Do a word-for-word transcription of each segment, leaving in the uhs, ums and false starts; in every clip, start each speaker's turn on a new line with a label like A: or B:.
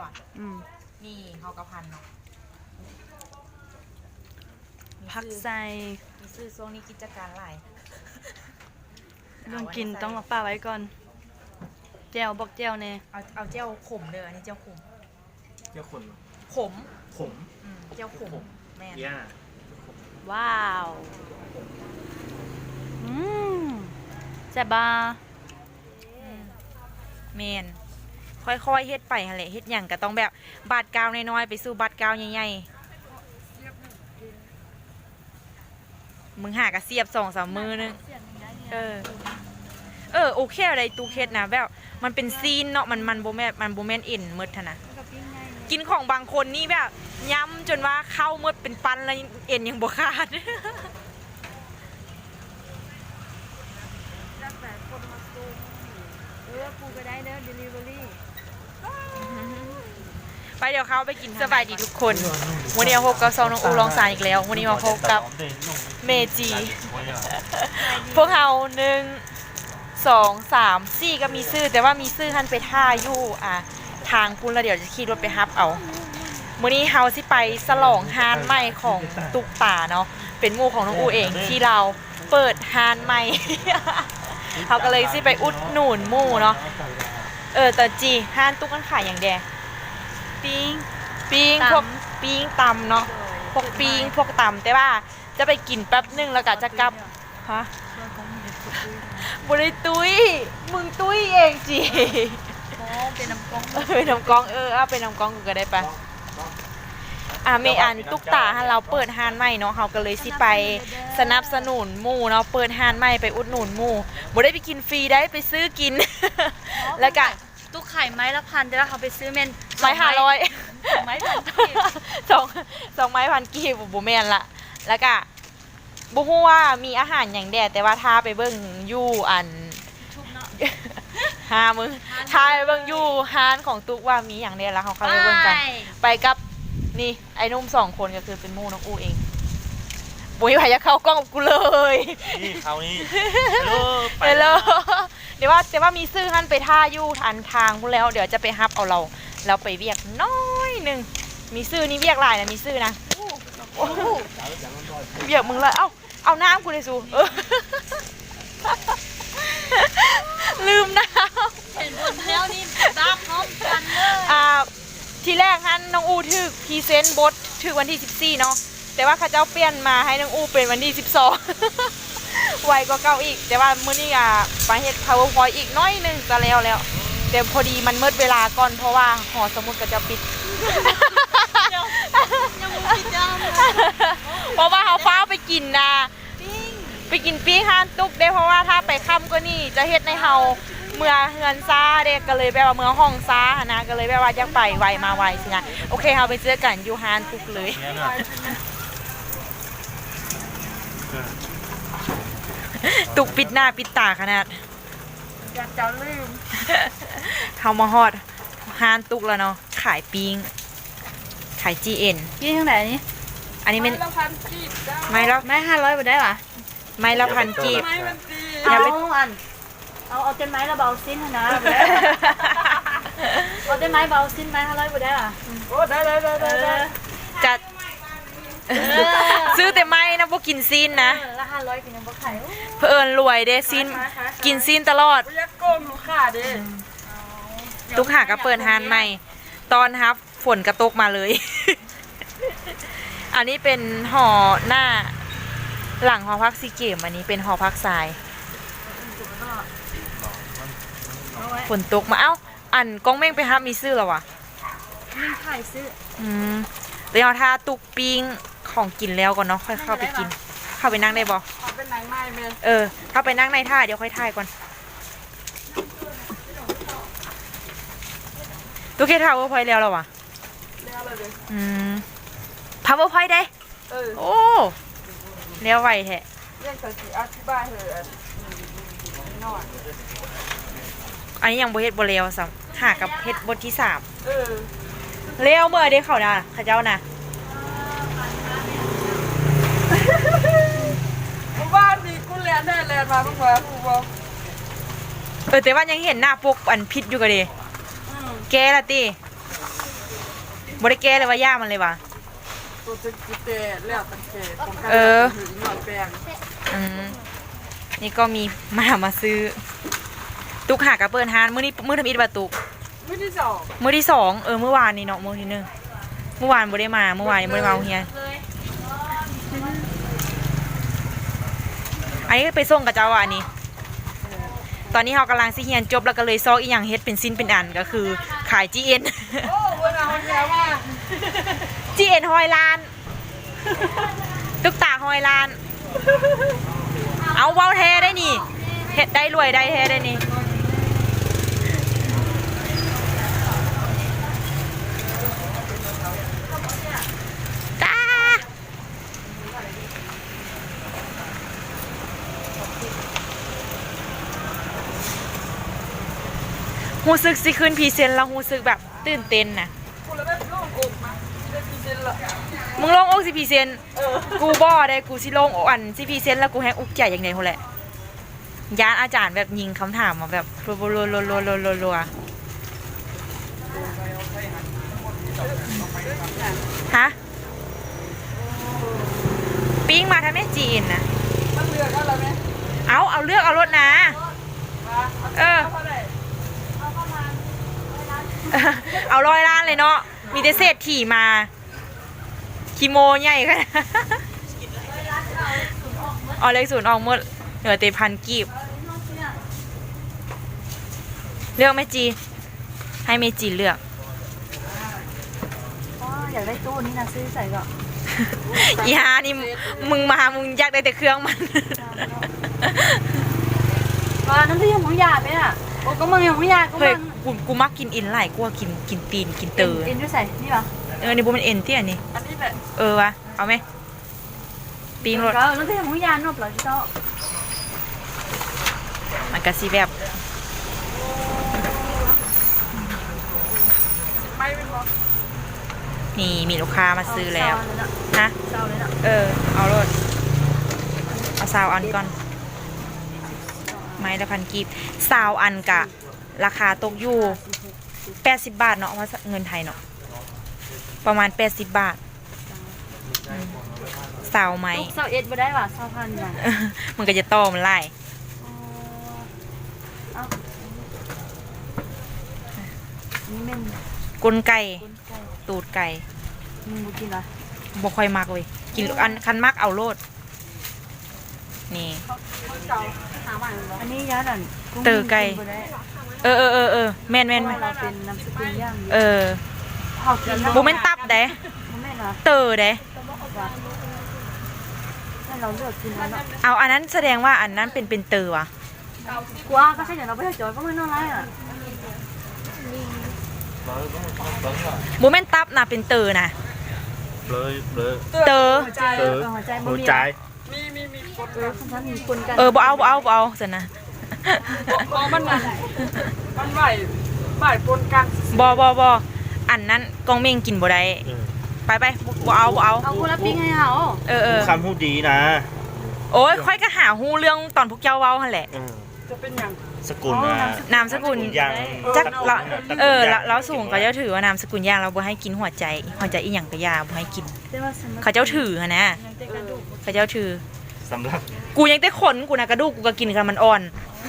A: ะนี่เขากระพันเนาะ
B: พักใส่
A: มีซื้อช่วงนี้กิจการหลาย
B: เรื่องกินต้องมาป้าไว้ก่อนแจวบอกแจวเน่
A: เอาเอาเจ้าขมเด้ออันนี้เจ้าขม
C: เจ้าคน
A: ขม
C: ขม
A: เจ้าขมแม่
C: ย่า
B: ว้าวอืมแซ่บบ้า
A: เมนค่อยๆเฮ็ดไปฮะแหละเฮ็ดอย่างก็ต้องแบบบาดกาวน้อยๆไปสู่บาดกาวใหญ่ๆมึงหากระเสียบสองสามมือนึงเออเออโอเคอะไรตูเคสนะแบบมันเป็นซีนเนาะมันมันโบแมนมันโบแมนเอ็นมืดนะกินของบางคนนี่แบบย้ำจนว่าเข้ามืดเป็นปันแล้วเอ็นยังบวขาด
B: เออกูก็ได้เด้อ delivery
A: ไปเดี๋ยวเขาไปกินสบายดีทุกคนวันนี้มาพบกับซองน้องอูลองสายอีกแล้ววันนี้มาพบกับเมจีพวกเราหนึ่งสองสามสี่ก็มีซื้อแต่ว่ามีซื้อท่านไปท่าอยู่อ่ะทางคุณแล้วเดี๋ยวจะขี่รถไปฮับเอาวันนี้เฮาสิไปสลองฮานใหม่ของตุกป่าเนาะเป็นหมู่ของน้องอูเองที่เราเปิดฮานใหม่เขาก็เลยสิไปอุดหนุนหมู่เนาะเออแต่จีฮานตุกกันขายอย่างแดปิ้งปิ้งพวกปิ้งตำเนาะพวกปิ้งพวกตำแต่ว่าจะไปกินแป๊บนึงแล้วก็จะกลับฮะบริตุ้ยมึงตุ้ยเองจี
B: เป็นน้ำกอง
A: เออน้ำกองเออเอาเป็นน้ำกองกูก็ได้ปะอ่ะเมอันตุ๊กตาเราเปิดฮานใหม่เนาะเขาก็เลยสิไปสนับสนุนหมู่เนาะเปิดฮานใหม่ไปอุดหนุนหมู่บ่ได้ไปกินฟรีได้ไปซื้อกินแล้วก็
B: ตุ๊กไข่ไม้ละพันแต่ว่าเขาไปซื้อเมน
A: ไม้ห้าร้อย
B: ไม้พันกีบ
A: สองสองไม้พันกีบบุแมนละแล้วก็บุฮู้ว่ามีอาหารอย่างแดดแต่ว่าถ้าไปเบิ่งยู่อันฮามึงถ้าไปเบิ่งยู่ฮานของตุ๊กว่ามีอย่างแดดแล้วเขาเข้าไปเบิ่งกันไปกับนี่ไอ้นุ่มสองคนก็คือเป็นมู่น้องอูเองบุยพายจะเข้ากล้องกับกูเลย
C: นี่เขานี่
A: ไปเลยเดี๋ยวว่าแต่ว่ามีซื้อฮั่นไปท่ายู่ทันทางพูดแล้วเดี๋ยวจะไปฮับเอาเราเราไปเวียกน้อยหนึ่งมีซื้อนี่เวียกหลายนะมีซื้อนะเวียกมึงเลยเอ้าเอาน้ำกูเลยสูลืมน้
B: ำเห็นบนเท้านี่ดับพร้อมกันเลย
A: อ่าทีแรกฮั่นน้องอูถือพรีเซนต์บทถือวันที่สิบสี่เนาะแต่ว่าข้าเจ้าเปลี่ยนมาให้น้องอูเป็นวันที่สิบสองไวกว่าเก่าอีกแต่ว่ามื้อนี้อ่ะไปเฮ็ด PowerPoint อีกน้อยนึงจะแล้วแล้วแต่พอดีมันมืดเวลาก่อนเพราะว่าหอสมุดก็จะปิด
B: ยังไม่ปิดจ้า
A: เพราะว่าเขาฟ้าไปกินนะไปกินปิ้งห้านตุกได้เพราะว่าถ้าไปค่ำก็นี่จะเฮ็ดในเฮาเมื่อเฮือนซ่าเด็กก็เลยแบบว่าเมื่อห้องซ่านะก็เลยแบบว่าอยากไปไวมาไวสินะโอเคเฮาไปเจอกันอยู่ห้านตุกเลยตุกปิดหน้าปิดตาขนาด
B: อยากจะลืม
A: เขามาฮอดฮานตุกแล้วเนาะขายปิ้งขาย จี เอ็น
B: ยี่ทั้งไหนนี่
A: อันนี้เป็น
B: ไม้ละพันกีบ
A: ไม้ละ
B: ไม้ห้าร้อยไปได้หรอ
A: ไม้ละพันกีบ
B: เอาอันเอาเอาเต็มไม้ละเบาสิ้นนะเอาเต็มไม้เบาสิ้นไม้ห้าร้อยไปได้หรอ
C: โอ้ได้ได้ได้ได้
A: จัดซื้อแต่ไม้นะพวกกินซีนนะ
B: ละห้าร้อยกินยังบ่ไข่
A: เพื่อนรวยเด้ซีนกินซีนตลอด
B: ยักโกงลูกค้าเด้
A: ตุกหาก็เปิดฮานใหม่ตอนฮับฝนกระตกมาเลยอันนี้เป็นห่อหน้าหลังหอพักซีเกมอันนี้เป็นหอพักทรายฝนตกมาเอ้าอันก้องเม่งไปฮับมีซื้อหรอวะ
B: มีขายซื้อ
A: อืมเดี๋ยวถ้าตุกปิ้งของกินแล้วก่อนเนาะค่อยเข้าไปกินเข้าไปนั่งได้บ่
B: เอาเป็นนั่งในเมน
A: เออเข้าไปนั่งในท่าเดี๋ยวค่อยถ่ายก่อนตุกเคท่าว่าพอยแล้วหรอวะ
B: แล้วเลย
A: อืมพาวเวอร์พอยได้
B: เออ
A: โอ้เลี้ยวไวแท้
B: เรื่องสักกี่อธิบายเหอะนอน
A: อันนี้ยังบทเฮ็ดบทเลี้ยวซ้ำหากับเฮ็ดบทที่สาม
B: เออ
A: เลี้ยวเมื่อได้เขานะข้าเจ้านะ
B: บ้านนี้กูเรียนได้เรียนมาบ้างวะกูบอก
A: เออแต่ว่ายังเห็นหน้าปกอันพิษอยู่กันดิแกละตีบริแกเลยว่าย่ามันเลยว่ะ
D: ตัวจะกิเตะแล้วตันเกตป้องกัน
A: เออ
D: ถึงหน่อยแปลง
A: อืมนี่ก็มีมามาซื้อ ตุกหากระเปิดฮานมื้อนี้มื้อทำอิฐบาตุก
D: ไม่ที่สอง
A: มื้อที่สองเออเมื่อวานนี่เนาะมื้อที่หนึ่งเมื่อวานบ่ได้มาเมื่อวานยังบ่ได้มาโรงเรียนอันนี้ไปส่งกับเจ้าอ่ะอันนี้ ตอนนี้เรากำลังสิเรียนจบแล้วก็เลยซอกอีหยังเฮ็ดเป็นสิ้นเป็นอันก็คือขาย จี เอ็น
D: โอ้วันเอาแล้วว่า
A: จี เอ็น หอยล้าน ตุกตาหอยล้าน เอาเว้าแท้ได้นี่เฮ็ดได้รวยได้แท้ได้นี่ตาหูซึกสิขึ้นพรีเซนต์แล้วหูซึกแบบตื่นเต้นนะ
D: กูแล้วได้โล่งอกมาได้พิเศษละ
A: มึงลงอกสิพรีเซนต์กูบ่ได้กูสิลงอันสิพรีเซนต์แล้วกูแฮงอุกใจอย่างไดโหแหละยานอาจารย์แบบยิงคำถามมาแบบรัวๆๆๆๆๆฮะปิ้งมาทำแม่จีนนะ
D: มันเลือกอะไรไหม
A: เอาเอาเลือกเอารถนะ เออ เอาร้อยล้านเลยเนาะ มีแต่เศษถี่มาคีโมใหญ่ขนาดเอาเลขศูนย์ออกหมดเหลือแต่พันกีบ เลือกแม่จี ให้แม่จีเลือก
B: อยากได้ตู้นี้นะซื้อใส่ก่อน
A: อีฮานี่มึงมา มึงอยากได้แต่เครื่องมัน
B: ว่านั่นที่ยังของยาไปอ่ะโอ้ก็มึงยังของยาก็
A: เฮ้ย
B: มึง
A: กูกูมักกินอินหลายกูว่ากินกินตีนกินเตอ
B: เอ็นด้วยใส่นี่ปะ
A: เออ นี่บุมันเอ็นเตี้ยนี่
D: อันนี้แหละ
A: เออวะ เอาไหมปีงรถ
B: ก็นั่นที่ยังของยานบเหรอพี่โต
A: มันก็สิแบบ
D: ไม่เป็นหรอก
A: นี่มีลูกค้ามาซื้อแล้ว ฮะ
B: เศร้าเลยนะ
A: เออ เอารถเอาซาวอันก่อน ไม้ละพันกีบซาวอันกะ ราคาตกอยู่แปดสิบบาทเนาะว่าเงินไทยเนาะ ประมาณแปดสิบบาทอืมซาวไม้
B: ลูกเศร้าเอ็ดมาได้ป่ะเศร้าพันมา
A: มันก็จะต่อมันไล่
B: เอานี่เม่น
A: กลไก
B: ก้นไก่
A: ตูดไก่
B: มึงบุกินเหรอ
A: บ่ค่อยมักเลยกินอันคันมักเอาโลด นี่
D: เก่าหาใหม่หรอ
B: อันนี้ยาดัน
A: เตอไก่ เออเออเออเออแม่นแม่น
B: เพ
A: แม่
B: ราะ
A: น
B: เราเป็นน้ำสกุลย่าง
A: เออ
B: เผากิน
A: บุแม่นตับเด้
B: แม่นเหรอ
A: เตอเด้
B: ให้เราเลือกกินแล้วเนาะ
A: เอาอันนั้นแสดงว่าอันนั้นเป็นเป็นเตอวะ
B: กว่าก็ใช่เดี๋ยวเราไปจอยก็ไม่น่ารักอ่ะ
A: บุแม่นตับนะเป็นเตอนะ
C: เลยเลย
A: เตอ
B: หัวใจ
C: เออ
B: หัวใจบ่
C: หัว
B: มี
C: ใจ
D: มีมีมีคน
B: เออฉันมีคนกัน
A: เออบ่เอาบ่เอาบ่เอาสินะ
D: มองมันมันมันไหวไหวปนกัน
A: บ่บ่บ่อันนั้นกองเม่งกินบ่ได้ไปไปบ่เอาบ่เอา
B: เอากูรับปิ้งให้เขา
A: เออเออ
C: คำพูดดีนะ
A: โอ้ยค่อยก็หาฮู้เรื่องตอนพวกเจ้าเว้าหั่นแหละ
D: จะเป็นอย่าง
C: สกุลนะ
A: นามสกุล
C: ยัง
A: จักเราเออเราเราสูงเขาเจ้าถือว่านามสกุลย่างเราบ่ให้กินหัวใจหัวใจอีหยังก็ยาบ่ให้กิน
B: แต่ว่าฉัน
A: เขาเจ้าถือหั่นนะ
B: ยังเตะกระดูก
A: เขาเจ้าถือ
C: สำหรับ
A: กูยังได้ขนกูนะกระดูกกูก็กินกันมันอ่อน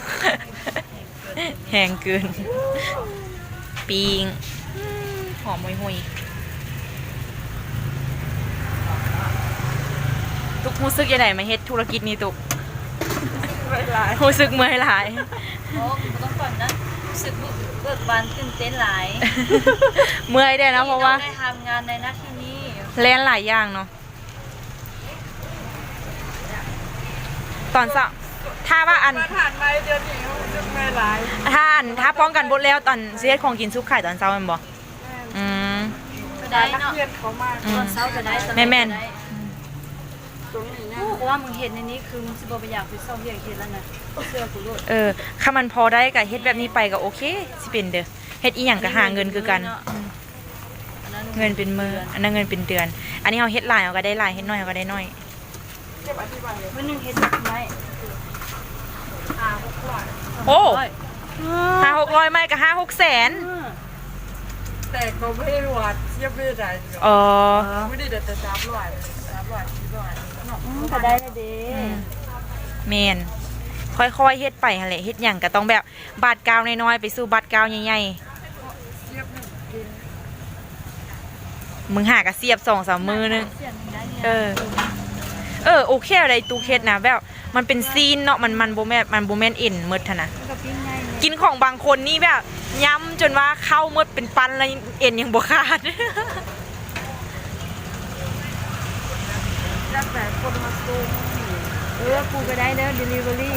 A: แหงเกินปิงอืมหอมห่วยๆตุกรู้สึกยังไงมาเฮ็ดธุรกิจนี้ตุก
D: หลาย
A: รู้สึกเมื่อยหลาย
B: โอ้กูต้องก่อนนะรู้สึกเบิกบานตื่นเต้นหลาย
A: เมื่อยได้นะเพราะว่า
B: ได้ทำงานในหน้าที่นี้
A: เล่นหลายอย่างเนาะตอนเช้าถ้าว่าอัน
D: มาผ่านไปเดือนนี้เขาจะไม่หลาย
A: ถ้าอันถ้าป้องกันบดแล้วตอนเสียของกินซุปไข่ตอนเช้าแมันบ่อืม
B: ก็
D: ได้
B: ได้
D: นัก
B: เนาะ
D: เรียนเขามา
A: อื
B: ตอ
A: ม
B: นเช้าก็ได้ตอน
A: แม่แม่น
B: ก็ได้
D: ตรงนี้เนี่ย
B: เพราะว่ามึงเห็นในนี้คือมึงสิบ่ไปอยากไปเศร้าเรียกเห็นแล้วนะเสื้อกูรูด
A: เออถ้ามันพอได้ก็เฮ็ดแบบนี้ไปก็โอเคสิเป็นเด้อเฮ็ดอีหยังก็หาเงินคือกันอืม
B: อันนั้น
A: เงินเป็นมืออันนั้นเงินเป็นเดือน อันนี้เราเฮ็ดหลายเราก็ได้หลายเฮ็ดน้อยเราก็ได้น้อย
D: เก็บอธิบายเลย
B: วันหนึงเห็นแบบไหม
D: หาพวกหลาย
A: โอ้
B: โอ้ย
A: ห้าหกร้อยไม่ก็ห้าหกแสน
B: อืม
D: แต่ก็ไม่ได้วัดเทียบไม่ได้
A: อ๋อ
D: ไม่ได้เด็ดแต่สามร้อยสามร้อยสี่ร้อย
B: อืมก็ได้แล้วเด้
A: แมนค่อยๆเฮ็ดไปหั่นแหละเฮ็ดหยังก็ต้องแบบบาดกาวน้อยๆไปสู่บาดกาวใหญ่ๆมึงหากระเสียบสองสามมือนึง
B: เสียงได้เนี่ย
A: เออ เออโอเคอะไรตูเคสนะแบบมันเป็นซีนเนาะมันมันโบแมนมันโบแมนเอ็นเมดทะนะ
B: ก็ปิ้งง่ายเลย
A: กินของบางคนนี่แบบย้ำจนว่าเข้าเมดเป็นปันแล้วเอ็นยังบวขาด
D: แล้วแต่คนมาซูม
B: เออกูก็ได้เด้อ delivery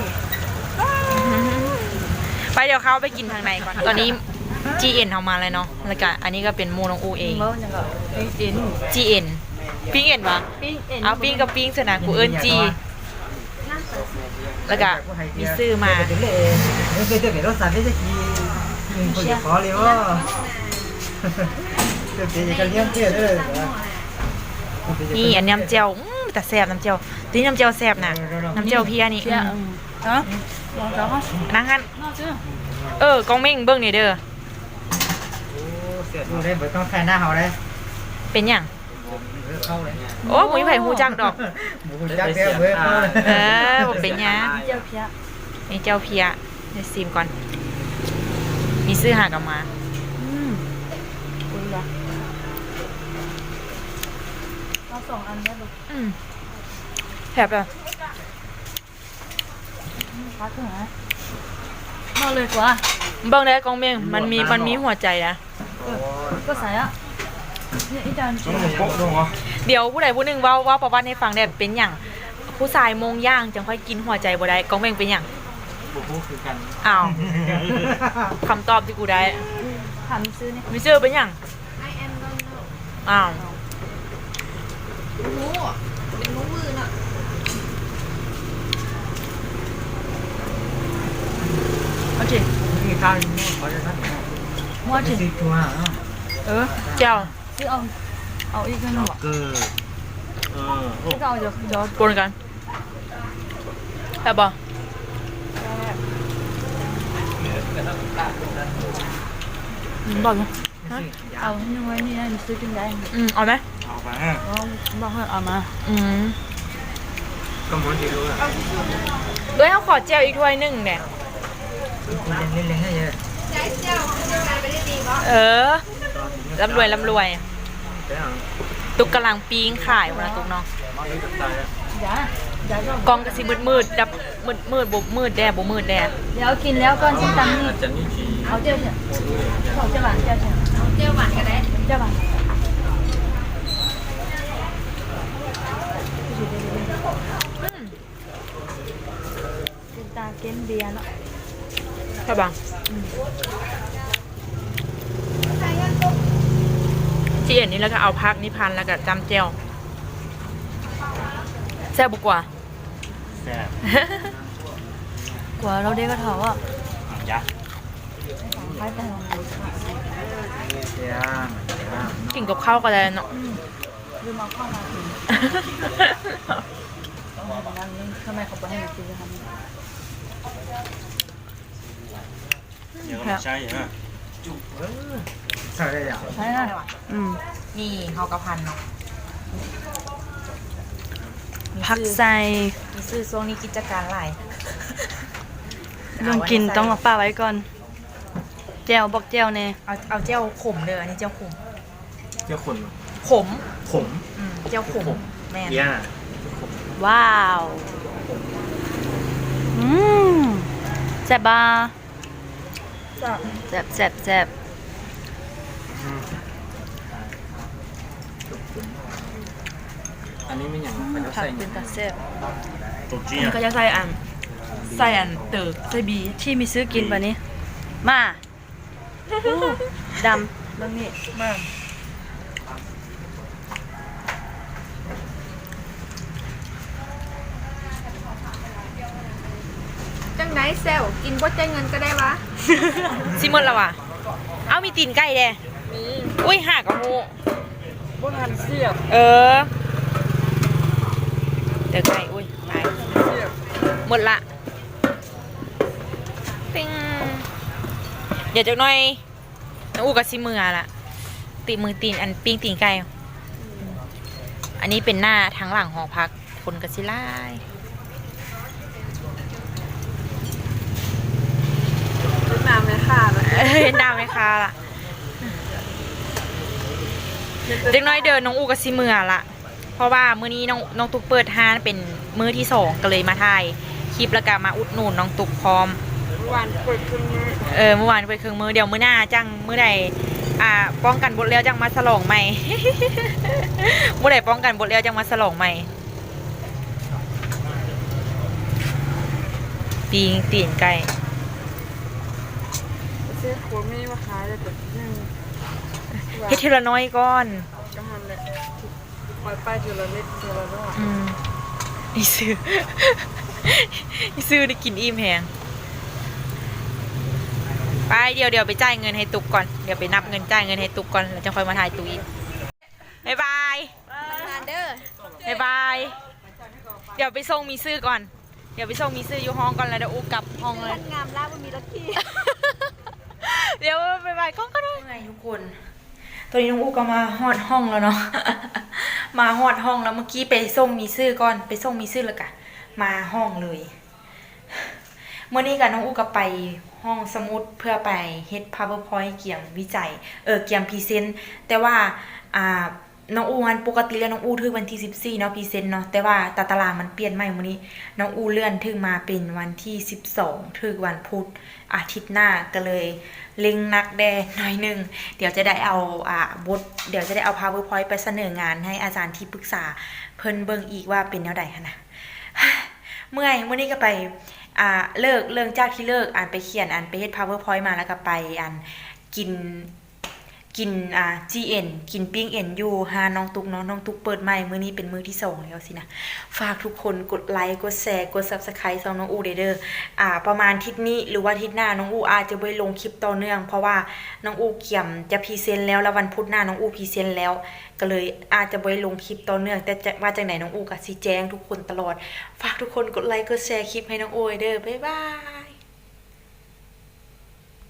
A: ไปเดี๋ยวเขาไปกินทางในก่อน ตอนนี้ จี เอ็น เอามาเลยเนาะแล้วก็อันนี้ก็เป็นโมนองอูเอง
B: เมื่อยังก็ปิ้งเอ็น
A: จี เอ็น ปิ้งเอ็นวะ
B: ปิ้งเอ็น
A: เอาปิ้งกับปิ้งสนะกูเอิญจี แล้วก็มีซื้อมา
E: non vedo che lo sapete chi in quel fuori oh perché gli calienti è
A: นี่อันน้ำเจียวอื้อแต่แซ่บน้ำเจียวตัวนี้น้ำเจียวแซ่บนะน้ำเจียวเพียนี่
B: เพี้ยอืมฮะลองจ้าฮะ
A: นั่งฮัน
B: น่าซื้อ
A: เออกองเม่งเบิ้งนี่เด้อ
E: ดูได้บ่ต้องแค่หน้าเฮาได้
A: เป็นหยัง
E: เข้าเลย
A: โอ้หมูไผ่หูจักดอก
E: หมูจักเด้อเว้ยเข้าเลย
A: เออบอกเป็นหยัง
B: เจียวเพี้ย
A: นี่เจ้าเพียเดี๋ยวซิมก่อน มีซื้อหากลับมา
B: อืมคุยละเอาสองอันได้ลูก
A: อืมแถบเลย
B: พักเถอะนะมาเลยกว่า
A: เบิ้งได้กองเม่งมันมีมันมีหัวใจนะ
B: ก็ใส่อ่ะเนี่ยอีจาน
C: ต้องโป๊ะด้วยเหรอ
A: เดี๋ยวผู้ใดผู้หนึ่งเว่าเว่าประวัติให้ฟังได้เป็นอย่างผู้ชายโมงย่างจังค่อยกินหัวใจบ่ได้กองเม่งเป็นอย่าง
C: บุกคือกัน
A: อ้าวคำตอบที่กูได้
B: ถามซื้อเนี่ย
A: มิเซอร์เป็นอย่างอ้าว
B: เอาจริง
E: นี่ข้าวนี่ขอจะนัด
B: มั่วจริง
E: สิตัวอ่ะ
A: เออเจ้า
B: ซื้อเอาเอาอีกหนึ่งหรอ
C: เกอร์เออโอ้
B: ซื้อเอาเดี๋ยวเดี๋ยว
A: ปนกันแบบบ่อืมบอกอยู่
B: เอาให้หน่อยนี่นะซื้อกินได้
A: อืมเอาไหม
C: เอาไป
B: เอาบอกให้เอามา
A: อืม
C: ก็มันดีด้วย
A: เอ้ยเขาขอเจลอีกถ้วยหนึ่งเนี่ย
E: เล่นเล่นให้เยอะ
A: เออร่ำรวยร่ำรวย ตุกกำลังปิ้งขายวันละตุกเนาะ
B: อย่าอย่าก็
A: กองกระซิมืดมืดดับมืดมืดบมืดแดดบมืดแดด
B: เดี๋ยวกินแล้วก่อนชิ้นตังนี่
C: จะนี่จี
B: เอาเจ้าเถอะเอาเจ้าหวานเจ้าเถอะเจ้าหวานก็ได้เจ้าหวานเป็นตาเกมเบียร์เนาะ
A: ใช่ปะจีเอ็นนี่แล้วก็เอาพักนิพันธ์แล้วก็จำเจลแซ่บบุกว่า
C: แซ่บ
B: กว่าเราได้ก็เถาอ่ะ
C: ยักษ์
B: คล้ายแต่
E: เสียง
A: กินกับข้าวก็ได้เนาะ
B: ลืมเอาเข้ามาถึงต้องทำงานนี้ทำไมเขาไปให้หนูกินเลยคะ
C: เดี๋ยวเราใช่ฮะ
E: ใช่ได้ยัง
B: ใช่นะอืม
A: นี่ข้าวกะพันเนาะ
B: ผักใส่
A: มีซื้อช่วงนี้กิจการหลาย
B: เรื่องกินต้องมาป้าไว้ก่อนแจวบอกแจวเน่
A: เอาเอาเจลขมเด้ออันนี้เจลขม
C: เจ้าคน
A: ขม
C: ขม
A: อืมเจลขมแม่น
C: ย่า
B: ว้าวอืมแซ่บบ้าแซ่บแซ่บแซ่บ
C: อันนี้ไม่อย่าง
B: ผักเป็นตาแซ่บ
C: ตัวจี
A: มันก็จะใส่อันใส่อันเติกใส่บี
B: ที่มีซื้อกินป่ะนี้มาอู้ดำบางนี่
A: มาก
F: จังไหนเซลกินบ่ใจายเงินก็ได้วะ
A: ซิมดแล้วว่ะเอามีตีนไก่เด้
D: มี
A: อุ้ยหากระหู
D: บนหันเสียบ
A: เออเดี๋ยวไก่อุ้ยตาย
D: เสียบ
A: หมดละปิ้งเดี๋ยวจักหน่อยน้องอูกับซิมือละตีมือตีนอันปิ้งตีนไก่อันนี้เป็นหน้าทั้งหลังหอพักคนกระซิล่าย
F: น้ำในข่าเลย
A: เอ้ยดาวไหมคะล่ะเด็กน้อยเดินน้องอูกับซิเมือละเพราะว่ามื้อนี้น้องน้องตุ๊กเปิดห้านเป็นมื้อที่สองก็เลยมาถ่ายคลิปแล้วก็มาอุดหนุนน้องตุ๊กพร้อม
F: วันเปิดคืนนี้
A: เออเมื่อวานไปเครื่องมือเดี๋ยวมื้อหน้าจังมื้อใดอ่าป้องกันบทแล้วจังมาฉลองใหม่ มื้อใดป้องกันบทแล้วจังมาฉลองใหม่ปีงตีนไก่
F: ซื้อขวดมีมาขายเลยแต่ยัง
A: เฮ็ดทีละน้อยก่อน
F: กำลังเลยปล่อยไปทีละเล็กทีละน้อย
A: อืมอีซื้อ อีซื้อได้กินอิ่มแหงไปเดี๋ยวเดี๋ยวไปจ่ายเงินให้ตุกก่อนเดี๋ยวไปนับเงินจ่ายเงินให้ตุกก่อนแล้วจะค่อยมาถ่ายตุกอีกบ๊ายบาย
F: งานเด้อ
A: บ๊ายบายเดี๋ยวไปส่งมีซื้อก่อนเดี๋ยวไปส่งมีซื้ออยู่ห้องก่อนแล้วเดี๋ยวอูกลับห้องเลย
F: งามล่ามันมีรถที่
A: เดี๋ยวบ๊ายบายก้องก็ได้ไงทุกคนตอนนี้น้องอูก็มาฮอดห้องแล้วเนาะ มาฮอดห้องแล้วเมื่อกี้ไปส่งมีซื้อก่อนไปส่งมีซื้อแล้วกะมาห้องเลย เมื่อนี้กับน้องอูก็ไปห้องสมุดเพื่อไปเฮ็ด powerpoint เกี่ยมวิจัยเออเกี่ยมพรีเซนต์แต่ว่าอ่าน้องอูมันปกติแล้วน้องอูถึงวันที่สิบสี่เนาะพรีเซนต์เนาะแต่ว่าตาตารางมันเปลี่ยนใหม่มื้อนี้น้องอูเลื่อนถึงมาเป็นวันที่สิบสองถึงวันพุธอาทิตย์หน้าก็เลยเล็งนักแดหน่อยหนึงเดี๋ยวจะได้เอาอ่าบทเดี๋ยวจะได้เอา powerpoint ไปเสนองานให้อาจารย์ที่ปรึกษาเพิ่นเบิ่งอีกว่าเป็นแนวใดหั่นน่ะ เมื่อยมื้อนี้ก็ไปอ่าเลิกเรื่องจากที่เลิกอ่านไปเขียนอ่านไปเฮ็ด powerpoint มาแล้วก็ไปอ่านกินกินอ่า จี เอ็น กินปิ้งเอ็นอยู่หาน้องตุกเนาะน้องตุกเปิดใหม่มื้อนี้เป็นมื้อที่สองแล้วสินะฝากทุกคนกดไลค์กดแชร์กด Subscribe ช่องน้องอูเด้อเด้ออ่าประมาณอาทิตย์นี้หรือว่าอาทิตย์หน้าน้องอูอาจจะบ่ได้ลงคลิปต่อเนื่องเพราะว่าน้องอูเกี่ยมจะพรีเซนต์แล้วแล้ววันพุธหน้าน้องอูพรีเซนต์แล้วก็เลยอาจจะบ่ได้ลงคลิปต่อเนื่องแต่จะว่าจังไหนน้องอูก็สิแจ้งทุกคนตลอดฝากทุกคนกดไลค์กดแชร์คลิปให้น้องอูเด้อบ๊ายบาย